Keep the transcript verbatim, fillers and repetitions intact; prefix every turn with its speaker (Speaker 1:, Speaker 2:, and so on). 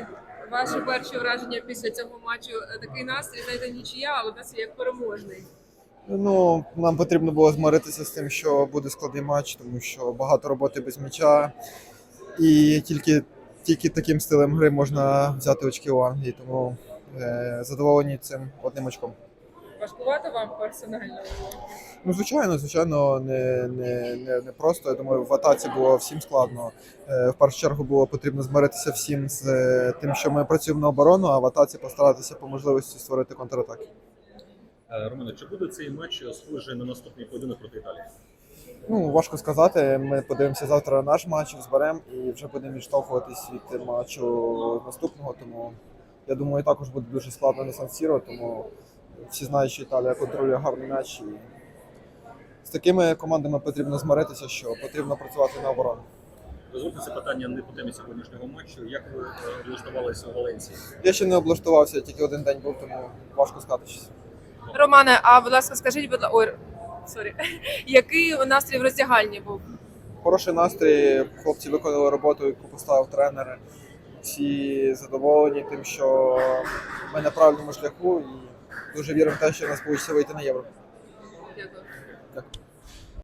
Speaker 1: Романе, ваші перші враження після цього матчу? Такий настрій, знаєте, нічия, але настрій як переможний.
Speaker 2: Ну, нам потрібно було змиритися з тим, що буде складний матч, тому що багато роботи без м'яча. І тільки, тільки таким стилем гри можна взяти очки у Англії, тому е, задоволені цим одним очком.
Speaker 1: Важкувато вам персонально?
Speaker 2: Ну, звичайно, звичайно, не, не, не, не просто. Я думаю, в атаці було всім складно. Е, в першу чергу було потрібно змиритися всім з е, тим, що ми працюємо на оборону, а в атаці постаратися по можливості створити контратаки.
Speaker 3: Романе, чи буде цей матч схожий на наступний поєдинок проти Італії?
Speaker 2: Ну, важко сказати. Ми подивимося завтра на наш матч, зберемо і вже будемо відштовхуватись від матчу наступного. Тому я думаю, також буде дуже складно на Сан-Сіро, тому всі знають, що Італія контролює гарний м'яч. І з такими командами потрібно змиритися, що потрібно працювати на оборону.
Speaker 3: Дозвольте це питання не по темі сьогоднішнього матчу. Як ви облаштувалися у Валенції?
Speaker 2: Я ще не облаштувався, тільки один день був, тому важко сказати щось.
Speaker 1: Романе, а будь ласка, скажіть, будь ласка, ой, сорі, який настрій в роздягальні був?
Speaker 2: Хороший настрій, хлопці виконали роботу, яку поставив тренер. Всі задоволені тим, що ми на правильному шляху і дуже віримо в те, що в нас вийде вийти на євро.
Speaker 1: Дякую.
Speaker 2: Дякую.